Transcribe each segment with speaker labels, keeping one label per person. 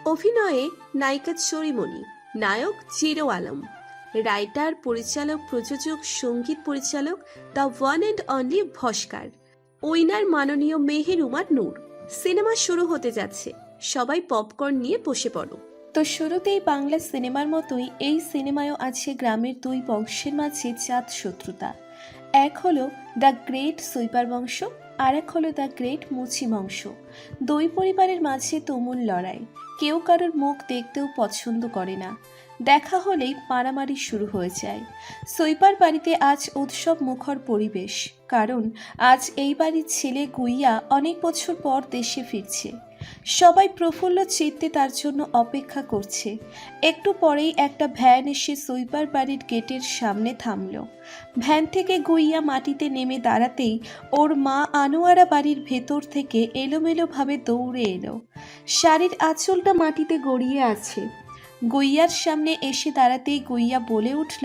Speaker 1: অভিনয়ে নায়িকা চরিমণি, নায়ক জিরো আলম, রাইটার, পরিচালক, প্রযোজক, সঙ্গীত পরিচালক the one and only Oscar, winner মাননীয় মেহেরুমার নূর। সিনেমা শুরু হতে যাচ্ছে, সবাই পপকর্ন নিয়ে বসে পড়ো। তো শুরুতেই বাংলা সিনেমার মতোই এই সিনেমায়ও আছে গ্রামের দুই বংশের মাঝে জাত শত্রুতা। এক হলো দ্য গ্রেট সুইপার বংশ, আর এক হলো দ্য গ্রেট মুচি বংশ। দুই পরিবারের মাঝে তুমুল লড়াই, কেউ কারোর মুখ দেখতেও পছন্দ করে না। দেখা হলেই মারামারি শুরু হয়ে যায়। সুইপার বাড়িতে আজ উৎসব মুখর পরিবেশ, কারণ আজ এই বাড়ির ছেলে গুইয়া অনেক বছর পর দেশে ফিরছে। সবাই প্রফুল্ল চিত্তে তার জন্য অপেক্ষা করছে। একটু পরেই একটা ভ্যান এসে সুইপার বাড়ির গেটের সামনে থামল। ভ্যান থেকে গুইয়া মাটিতে নেমে দাঁড়াতেই ওর মা আনোয়ারা বাড়ির ভেতর থেকে এলোমেলোভাবে দৌড়ে এলো। শাড়ির আঁচলটা মাটিতে গড়িয়ে আছে। গুইয়ার সামনে এসে দাঁড়াতেই গুইয়া বলে উঠল,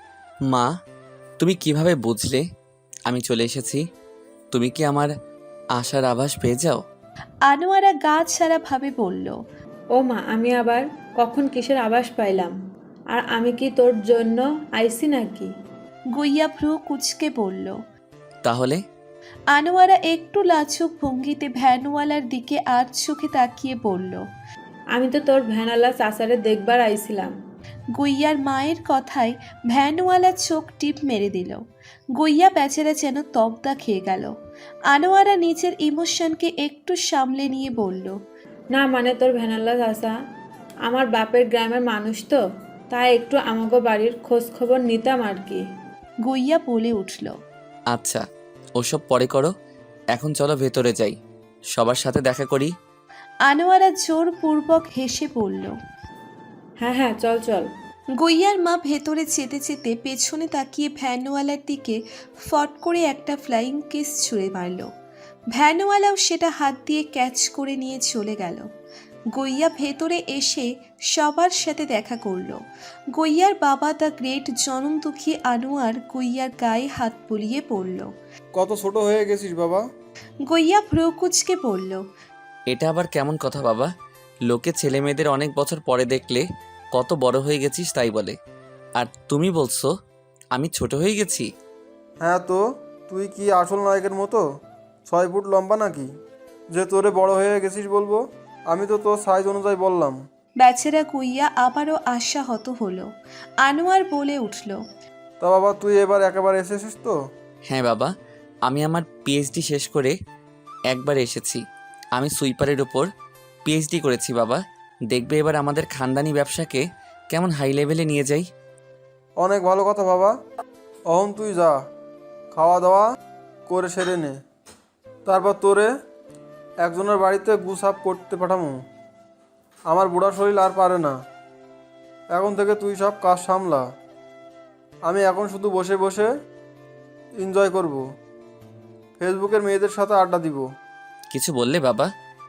Speaker 2: মা, তুমি কিভাবে বুঝলে আমি চলে এসেছি? তুমি কি আমার আশার আভাস পেয়ে যাও?
Speaker 1: আনোয়ারা গা ছাড়া ভাবে বলল,
Speaker 3: ও মা, আমি আবার কখন কিসের আভাস পাইলাম? আর আমি কি তোর জন্য আইছি নাকি?
Speaker 1: গুইয়া ভ্রু কুচকে বলল।
Speaker 2: তাহলে?
Speaker 1: আনোয়ারা একটু লাজুক ভঙ্গিতে ভ্যানওয়ালার দিকে আর চোখে তাকিয়ে বলল,
Speaker 3: আমি তো তোর ভ্যানালা চাচারে দেখবার আইছিলাম।
Speaker 1: গুইয়ার মায়ের কথায় ভ্যানওয়ালা চোখ টিপ মেরে দিল। গুইয়া বেচারা যেন তবদা খেয়ে গেল। আনোয়ারা নিজের ইমোশনকে একটু সামলে নিয়ে বলল,
Speaker 3: না মানে তোর ভ্যানালা চাচা আমার বাপের গ্রামের মানুষ তো, তাই একটু আমাগো বাড়ির খোঁজ খবর নিতাম আর কি।
Speaker 1: গুইয়া বলে উঠল।
Speaker 2: আচ্ছা, ওসব পরে করো, এখন চলো ভেতরে যাই, সবার সাথে দেখা করি।
Speaker 1: আনোয়ারা জোরপূর্বক হেসে বলল।
Speaker 3: হ্যাঁ হ্যাঁ, চল চল।
Speaker 1: গুইয়ার মা ভেতরে যেতে যেতে পেছনে তাকিয়ে ভ্যানওয়ালার দিকে ফট করে একটা ফ্লাইং কিস ছুঁড়ে মারল। ভ্যানওয়ালাও সেটা হাত দিয়ে ক্যাচ করে নিয়ে চলে গেল। গুইয়া ভেতরে এসে সবার সাথে দেখা করল। গুইয়ার বাবা দ্য গ্রেট জনম দুঃখী আনোয়ার গুইয়ার গায়ে হাত বুলিয়ে পড়ল।
Speaker 4: কত ছোট হয়ে গেছিস বাবা।
Speaker 1: গুইয়া ভ্রু কুচকে পড়ল।
Speaker 2: এটা আবার কেমন কথা বাবা? লোকে ছেলে মেয়েদের অনেক বছর পরে দেখলে কত বড় হয়ে গেছিস তাই বলে, আর তুমি বলছো আমি ছোট হয়ে গেছি?
Speaker 4: হ্যাঁ তো, তুই কি আসল নায়কের মতো 6 ফুট লম্বা নাকি যে তোরে বড় হয়ে গেছিস বলবো? আমি তো তোর সাইজ অনুযায়ী বললাম।
Speaker 1: বেচারা গুইয়া আবারও আশাহত হলো। আনোয়ার বলে উঠল,
Speaker 4: তা বাবা, তুই এবার একেবারে এসেছিস তো?
Speaker 2: হ্যাঁ বাবা, আমি আমার পিএইচডি শেষ করে একবার এসেছি। আমি সুইপারের ওপর পিএইচডি করেছি বাবা। দেখবে এবার আমাদের খানদানি ব্যবসাকে কেমন হাই লেভেলে নিয়ে যাই।
Speaker 4: অনেক ভালো কথা বাবা। অহন তুই যা, খাওয়া দাওয়া করে সেরে নে, তারপর তোরে একজনের বাড়িতে গুসাপ করতে পাঠামো। আমার বুড়া শরীর আর পারে না, এখন থেকে তুই সব কাজ সামলা। আমি এখন শুধু বসে বসে এনজয় করব, ফেসবুকের মেয়েদের সাথে আড্ডা দিব।
Speaker 2: কিছু বললে বাবা?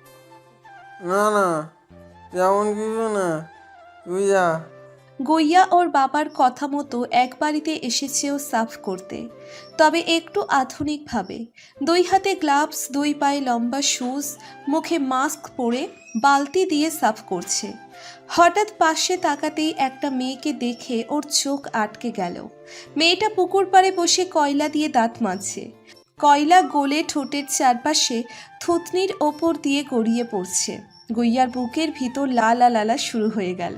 Speaker 4: না না, তেমন কিছু না, তুই যা।
Speaker 1: গুইয়া ওর বাবার কথা মতো এক বাড়িতে এসেছেও সাফ করতে, তবে একটু আধুনিকভাবে। 2 হাতে গ্লাভস, 2 পায়ে লম্বা শুজ, মুখে মাস্ক পরে বালতি দিয়ে সাফ করছে। হঠাৎ পাশে তাকাতেই একটা মেয়েকে দেখে ওর চোখ আটকে গেল। মেয়েটা পুকুর পাড়ে বসে কয়লা দিয়ে দাঁত মাজছে। কয়লা গলে ঠোঁটের চারপাশে থুতনির ওপর দিয়ে গড়িয়ে পড়ছে। গুইয়ার বুকের ভিতর লালা লালা শুরু হয়ে গেল।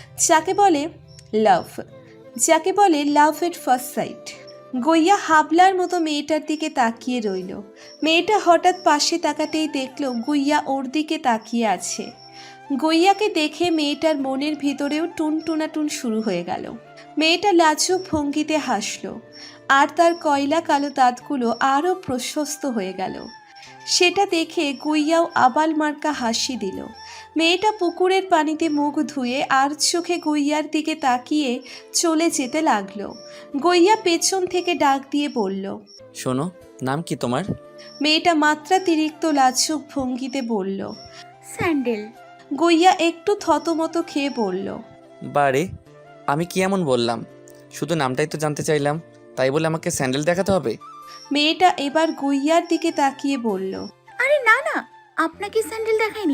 Speaker 1: যাকে বলে লাভ এট ফার্স্ট সাইট। গুইয়া হাবলার মতো মেয়েটার দিকে তাকিয়ে রইল। মেয়েটা হঠাৎ পাশে তাকাতেই দেখল গুইয়া ওর দিকে তাকিয়ে আছে। গুইয়াকে দেখে মেয়েটার মনের ভিতরেও টুনটুনাটুন শুরু হয়ে গেল। মেয়েটা লাজুক ভঙ্গিতে হাসল, আর তার কয়লা কালো দাঁতগুলো আরও প্রশস্ত হয়ে গেল। সেটা দেখে গুইয়াও আবাল মার্কা হাসি দিল। মেয়েটা পুকুরের পানিতে মুখ ধুয়ে আর চোখে গুইয়ার দিকে তাকিয়ে চলে যেতে লাগলো। গুইয়া পেছন থেকে ডাক দিয়ে বলল,
Speaker 2: শোনো, নাম কি তোমার?
Speaker 1: মেয়েটা মাত্রাতিরিক্ত লাজুক ভঙ্গিতে বলল,
Speaker 5: স্যান্ডেল।
Speaker 1: গুইয়া একটু থতমত খেয়ে বলল,
Speaker 2: বারে, আমি কি এমন বললাম? শুধু নামটাই তো জানতে চাইলাম, তাই বলে আমাকে স্যান্ডেল দেখাতে হবে?
Speaker 1: মেয়েটা এবার গুইয়ার দিকে তাকিয়ে বলল,
Speaker 5: আরে না না, আপনাকে স্যান্ডেল দেখায়নি,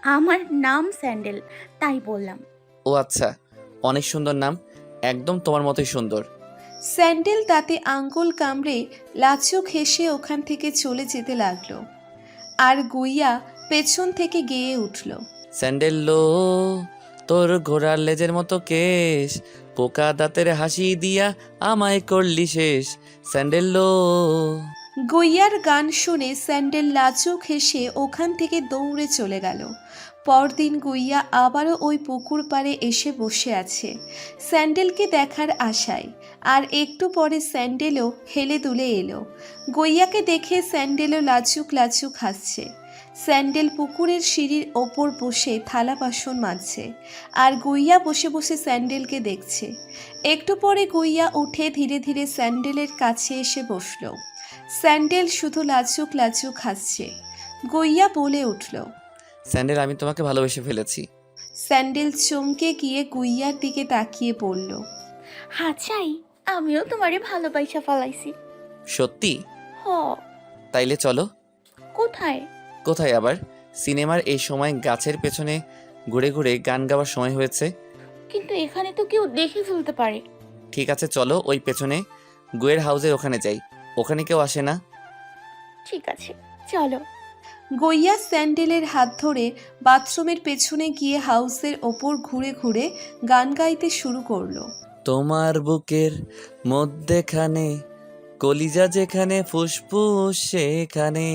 Speaker 5: আমার নাম স্যান্ডেল, তাই বললাম।
Speaker 2: ও আচ্ছা, অনেক সুন্দর নাম, একদম তোমার মতোই সুন্দর।
Speaker 1: স্যান্ডেল তাতে আঙ্গুল কামড়ে লাজুক হেসে ওখান থেকে চলে যেতে লাগলো। আর গুইয়া পেছন থেকে গেয়ে উঠল।
Speaker 2: স্যান্ডেল লো, তোর ঘোড়ার লেজের মতো কেশ, পোকা দাঁতের হাসি দিয়া আমায় করলি শেষ। স্যান্ডেল লো।
Speaker 1: গুইয়ার গান শুনে স্যান্ডেল লাজুক হেসে ওখান থেকে দৌড়ে চলে গেল। পরদিন গুইয়া আবারও ওই পুকুর পাড়ে এসে বসে আছে স্যান্ডেলকে দেখার আশায়। আর একটু পরে স্যান্ডেলও হেলে দুলে এলো। গুইয়াকে দেখে স্যান্ডেলও লাজুক লাজুক হাসছে। স্যান্ডেল পুকুরের সিঁড়ির ওপর বসে থালা বাসন মাজছে, আর গুইয়া বসে বসে স্যান্ডেলকে দেখছে। একটু পরে গুইয়া উঠে ধীরে ধীরে স্যান্ডেলের কাছে এসে বসলো। স্যান্ডেল শুধু লাজুক লাজুক হাসছে। গুইয়া বলে উঠল।
Speaker 2: স্যান্ডেল, আমি তোমাকে ভালোবেসে ফেলেছি।
Speaker 1: স্যান্ডেল চমকে গিয়ে গুইয়ার দিকে তাকিয়ে পড়ল।
Speaker 5: হ্যাঁ চাই, আমিও তোমারে ভালোবাসা ফেলাইছি।
Speaker 2: সত্যি?
Speaker 5: হ।
Speaker 2: তাইলে চলো।
Speaker 5: কোথায়?
Speaker 2: কোথায় আবার? সিনেমার এই সময় গাছের পেছনে ঘুরে ঘুরে গান গাওয়ার সময় হয়েছে।
Speaker 5: কিন্তু এখানে তো কেউ দেখে ফেলতে পারে।
Speaker 2: ঠিক আছে, চলো ওই পেছনে গুয়ের হাউসের ওখানে যাই, ওখানে কেউ আসে না।
Speaker 5: ঠিক আছে, চলো।
Speaker 1: গুইয়া স্যান্ডেলের হাত ধরে বাথরুমের পেছনে গিয়ে হাউসের ওপর ঘুরে ঘুরে গান গাইতে শুরু করলো।
Speaker 2: তোমার বুকের মধ্যেখানে কলিজা যেখানে ফুসফুস সেখানে,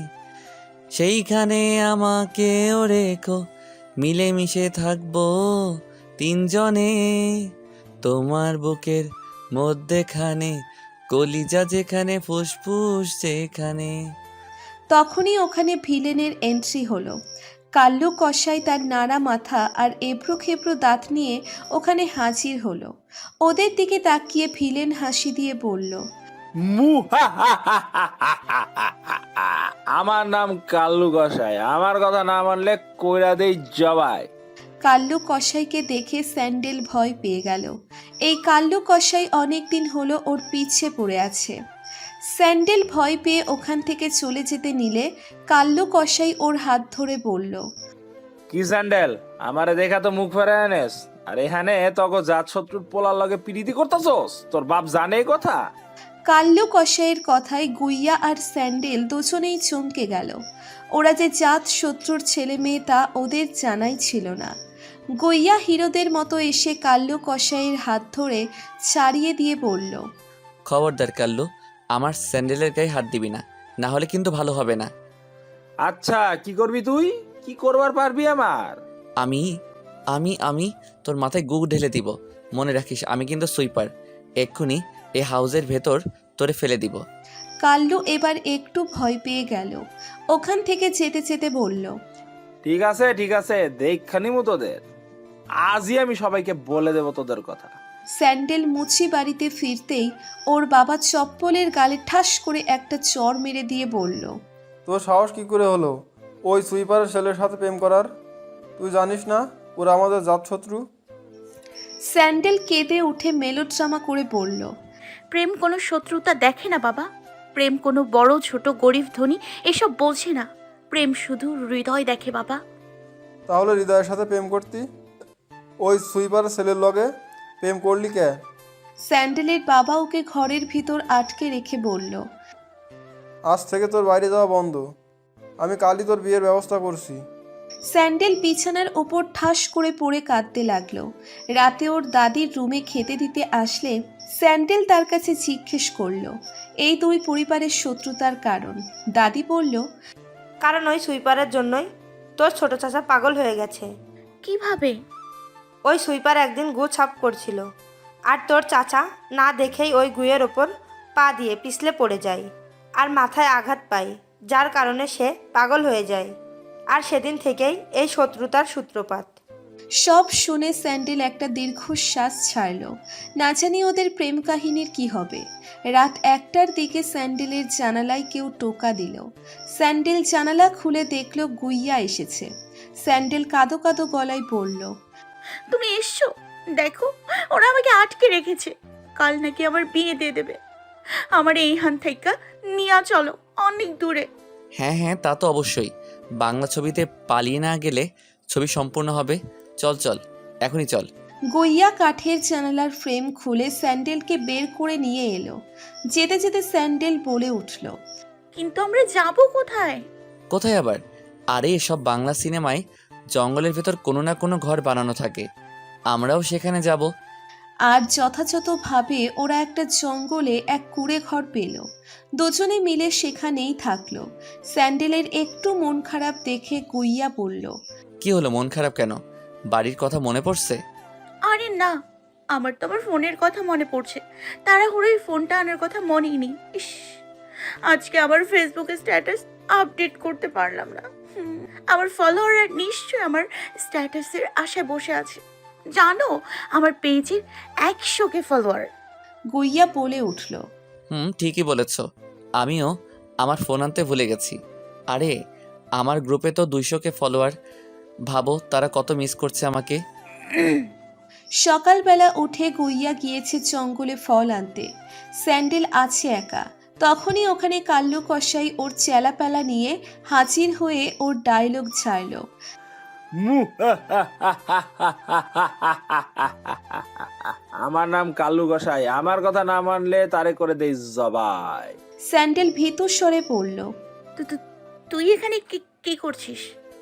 Speaker 2: সেইখানে আমাকেও রেখো, মিলেমিশে থাকবো তিনজনে। তোমার বুকের মধ্যেখানে কলিজা যেখানে ফুসফুস সেখানে।
Speaker 1: তখনই ওখানে ভিলেনের এন্ট্রি হলো। কাল্লু কসাই তার নাড়া মাথা আর এবড়ো খেবড়ো দাঁত নিয়ে ওখানে হাজির হলো। ওদের দিকে তাকিয়ে ভিলেন হাসি দিয়ে বলল,
Speaker 6: আমার নাম কাল্লু গোসাই, আমার কথা না মানলে কইরা দেই জবাই।
Speaker 1: কাল্লু কসাইকে দেখে স্যান্ডেল ভয় পেয়ে গেল। এই কাল্লু কসাই অনেকদিন হলো ওর পিছে পড়ে আছে। স্যান্ডেল ভয় পেয়ে ওখান থেকে চলে যেতে নিলে কাল্লু কসাই ওর হাত ধরে বলল,
Speaker 6: কি স্যান্ডেল, আমারে দেখা তো মুখ ফেরায় আনেস, আর এখানে তক জাত শত্রুর পোলার লগে পিরিতি করতেছস? তোর বাপ জানে এই কথা?
Speaker 1: কাল্লু কসাইয়ের কথায় গুইয়া আর স্যান্ডেল দুজনেই চমকে গেল। ওরা যে জাত শত্রুর ছেলে মেয়ে তা ওদের জানাই ছিল না। গুইয়া হিরোদের মতো এসে কাল্লু কসাইয়ের হাত ধরে ছাড়িয়ে দিয়ে বলল,
Speaker 2: খবরদার কাল্লু, আমার স্যান্ডেলের গায়ে হাত দিবি না, না হলে কিন্তু ভালো হবে না।
Speaker 6: আচ্ছা, কি করবি তুই? কি করবার পারবি আমার?
Speaker 2: আমি আমি আমি তোর মাথায় গুগ ঢেলে দিব। মনে রাখিস, আমি কিন্তু সুইপার। এক্ষুনি এই হাউসের ভেতর তোরে ফেলে দিব।
Speaker 1: কাল্লু এবার একটু ভয় পেয়ে গেল। ওখান থেকে যেতে যেতে বলল,
Speaker 6: ঠিক আছে ঠিক আছে, দেখখানি মতো তোদের, আজই আমি সবাইকে বলে দেব তোদের কথা।
Speaker 1: স্যান্ডেল মুচি বাড়িতে ফিরতেই ওর বাবা চপ্পলের গালে ঠাস করে একটা চড় মেরে দিয়ে বলল,
Speaker 4: তোর সাহস কি করে হলো ওই সুইপারের ছেলের সাথে প্রেম করার? তুই জানিস না ওরা আমাদের জাতশত্রু?
Speaker 1: স্যান্ডেল কেঁদে উঠে মেলোড্রামা করে বলল,
Speaker 5: প্রেম কোনো শত্রুতা দেখে না বাবা। প্রেম কোনো বড় ছোট গরিব ধনী এসব বলছে না। প্রেম শুধু হৃদয় দেখে বাবা।
Speaker 4: তাহলে হৃদয়ের সাথে প্রেম করতি, ওই সুইপারের ছেলের লগে প্রেম করলি কে?
Speaker 1: স্যান্ডেলের বাবা ওকে ঘরের ভিতর আটকে রেখে বলল,
Speaker 4: আজ থেকে তোর বাইরে যাওয়া বন্ধ, আমি কালই তোর বিয়ের ব্যবস্থা করছি।
Speaker 1: স্যান্ডেল বিছানার ওপর ঠাস করে পড়ে কাঁদতে লাগলো। রাতে ওর দাদির রুমে খেতে দিতে আসলে স্যান্ডেল তার কাছে জিজ্ঞেস করলো এই দুই পরিবারের শত্রুতার কারণ। দাদি বলল,
Speaker 7: কারণ ওই সুইপারের জন্যই তোর ছোট চাচা পাগল হয়ে গেছে।
Speaker 5: কিভাবে?
Speaker 7: ওই সুইপার একদিন গু ছাপ করছিল, আর তোর চাচা না দেখেই ওই গুয়ের ওপর পা দিয়ে পিছলে পড়ে যায় আর মাথায় আঘাত পায়, যার কারণে সে পাগল হয়ে যায়। আর সেদিন থেকেই এই শত্রুতার সূত্রপাত।
Speaker 1: সব শুনে স্যান্ডেল একটা দীর্ঘশ্বাস ছাড়ল। না জানি ওদের প্রেম কাহিনীর কি হবে। রাত 1টার দিকে স্যান্ডেলের জানালায় কেউ টোকা দিল। স্যান্ডেল জানালা খুলে দেখল গুইয়া এসেছে। স্যান্ডেল কাঁদো কাঁদো গলায় বলল,
Speaker 5: তুমি এসছো? দেখো, ওরা আমাকে আটকে রেখেছে। কাল নাকি আমার বিয়ে দিয়ে দেবে। আমার এইখান থেকে নিয়ে চলো অনেক দূরে।
Speaker 2: হ্যাঁ হ্যাঁ, তা তো অবশ্যই। বাংলা ছবিতে পালিয়ে না গেলে ছবি সম্পূর্ণ হবে। চল চল, এখনই চল।
Speaker 1: গইয়া কাঠের জানালার ফ্রেম খুলে স্যান্ডেলকে বের করে নিয়ে এলো। যেতে যেতে স্যান্ডেল বলে উঠল,
Speaker 5: কিন্তু আমরা যাব কোথায়?
Speaker 2: কোথায় আবার? আরে এসব বাংলা সিনেমায় জঙ্গলের ভেতর কোনো না কোনো ঘর বানানো থাকে, আমরাও সেখানে যাব।
Speaker 1: আর যথাযথভাবে ওরা একটা জঙ্গলে এক কুঁড়ে ঘর পেল। দুজনে মিলে সেখানেই থাকলো। স্যান্ডেলের একটু মন খারাপ দেখে গইয়া বলল,
Speaker 2: কি হলো, মন খারাপ কেন? বাড়ির কথা মনে পড়ছে?
Speaker 5: আরে না, আমার তো আমার ফোনের কথা মনে পড়ছে। তাড়াহুড়োই ফোনটা আনার কথা মনেই নেই। ইস, আজকে আবার ফেসবুকে স্ট্যাটাস আপডেট করতে পারলাম না। আমার ফলোয়াররা নিশ্চয়ই আমার স্ট্যাটাসের আশায় বসে আছে। জানো, আমার পেজের 100K ফলোয়ার।
Speaker 1: গইয়া বলে উঠল,
Speaker 2: ঠিকই বলেছ, আমিও আমার ফোন আনতে ভুলে গেছি। আরে আমার গ্রুপে তো 200K ফলোয়ার, ভাবো তারা কত মিস করছে আমাকে।
Speaker 1: সকালবেলা উঠে গইয়া গিয়েছে জঙ্গলে ফল আনতে। স্যান্ডেল আছে একা। তখনই ওখানে কাল্লু কসাই ওর চেলাপেলা নিয়ে হাজির হয়ে ওর ডায়লগ ছাড়ল।
Speaker 6: আমার নাম কাল্লু গোসাই, আমার কথা না মানলে তারে করে দেই জবাই।
Speaker 1: স্যান্ডেল ভীতু স্বরে পড়ল,
Speaker 5: তুই এখানে কি করছিস?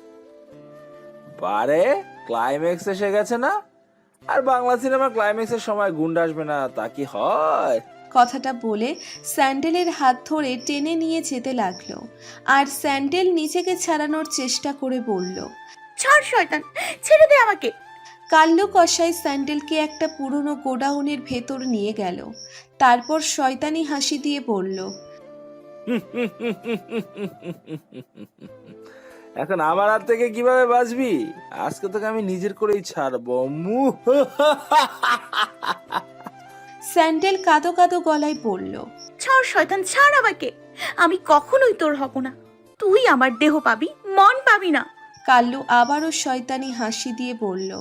Speaker 6: বারে ক্লাইম্যাক্স এসে গেছে না? আর বাংলা সিনেমার ক্লাইম্যাক্সের সময় গুন্ডা আসবে না তা কি হয়?
Speaker 1: কথাটা বলে স্যান্ডেলের হাত ধরে টেনে নিয়ে যেতে লাগলো। আর স্যান্ডেল নিজেকে ছাড়ানোর চেষ্টা করে বলল,
Speaker 5: ছাড় শয়তান, ছেড়ে দে আমাকে।
Speaker 1: কাল্লু কসাই স্যান্ডেলকে একটা পুরনো গোডাউনের ভেতর নিয়ে গেল। তারপর শয়তানি হাসি দিয়ে বলল,
Speaker 6: এখন আমার হাত থেকে কিভাবে বাঁচবি? আজকে তোকে আমি নিজের করেই ছাড়বো।
Speaker 1: স্যান্ডেল কাঁদো কাঁদো গলায় বলল,
Speaker 5: ছাড় শয়তান, ছাড় আমাকে। আমি কখনোই তোর হব না। তুই আমার দেহ পাবি, মন পাবি না।
Speaker 1: কাল্লু আবারও শয়তানি হাসি দিয়ে বলল,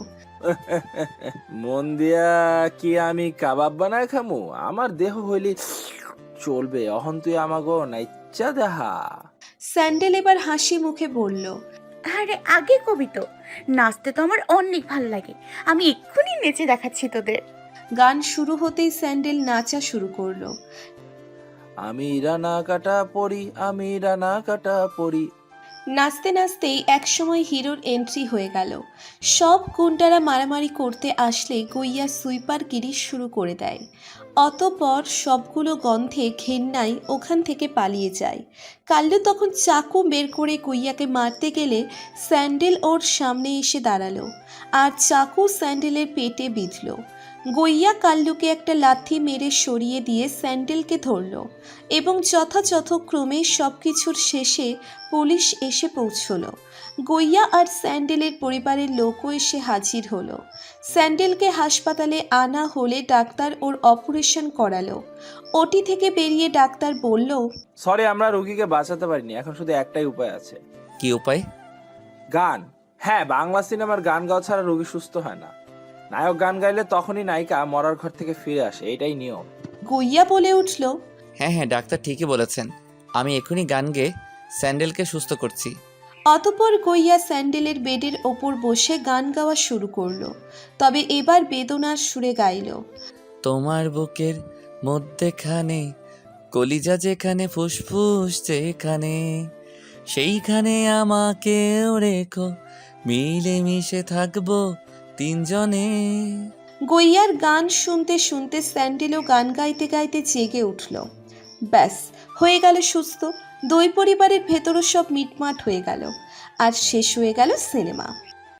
Speaker 6: মন দিয়া কি আমি কাবাব বানায় খামু? আমার দেহ হইলি চলবে। অহন তুই আমাগো নাইচ্চা দেহা।
Speaker 1: স্যান্ডেল এবার হাসি মুখে বলল,
Speaker 5: আরে আগে কবি তো, নাচতে তো আমার অনেক ভাল লাগে। আমি এক্ষুনি নেচে দেখাচ্ছি তোদের।
Speaker 1: গান শুরু হতেই স্যান্ডেল নাচা শুরু করলো।
Speaker 6: আমি রানা কাটা পড়ি, আমি রানা কাটা পড়ি।
Speaker 1: নাচতে নাচতেই একসময় হিরোর এন্ট্রি হয়ে গেল। সব গুন্ডারা মারামারি করতে আসলে গইয়া সুইপার গিরি শুরু করে দেয়। অতঃপর সবগুলো গন্ধে ঘেন্নায় ওখান থেকে পালিয়ে যায়। কাল্লু তখন চাকু বের করে গইয়াকে মারতে গেলে স্যান্ডেল ওর সামনে এসে দাঁড়ালো আর চাকু স্যান্ডেলের পেটে বিঁধল। গইয়া কাল্লুকে একটা লাথি মেরে সরিয়ে দিয়ে স্যান্ডেলকে ধরল এবং যথাযথক্রমে সব কিছুর শেষে পুলিশ এসে পৌঁছল। গইয়া আর স্যান্ডেলের পরিবারের লোকও এসে হাজির হলো। স্যান্ডেলকে হাসপাতালে আনা হলে ডাক্তার ওর অপারেশন করালো। ওটি থেকে বেরিয়ে ডাক্তার বলল,
Speaker 6: সরি, আমরা রোগীকে বাঁচাতে পারিনি। এখন শুধু একটাই উপায় আছে।
Speaker 2: কি উপায়?
Speaker 6: গান। হ্যাঁ, বাংলা সিনেমার গান গাওয়া ছাড়া রোগী সুস্থ হয় না। নায়ক গান গাইলে তখনই নায়িকা মরার ঘর থেকে ফিরে আসে, এটাই নিয়ম।
Speaker 1: গইয়া বলে উঠল,
Speaker 2: হ্যাঁ হ্যাঁ, ডাক্তার ঠিকই বলেছেন, আমি এখনই গান গেয়ে স্যান্ডেলকে সুস্থ করছি।
Speaker 1: অতঃপর গইয়া স্যান্ডেলের বেডের ওপর বসে গান গাওয়া শুরু করলো। তবে এবার বেদনার সুরে গাইল,
Speaker 2: তোমার বুকের মধ্যেখানে কলিজা যেখানে, ফুসফুস যেখানে, সেইখানে আমাকেও রেখো, মিলে মিশে থাকবো তিনজনে।
Speaker 1: গইয়ার গান শুনতে শুনতে স্যান্ডেলও গান গাইতে গাইতে জেগে উঠল। ব্যাস, হয়ে গেল সুস্থ। দুই পরিবারের ভেতরও সব মিটমাট হয়ে গেল আর শেষ হয়ে গেল সিনেমা।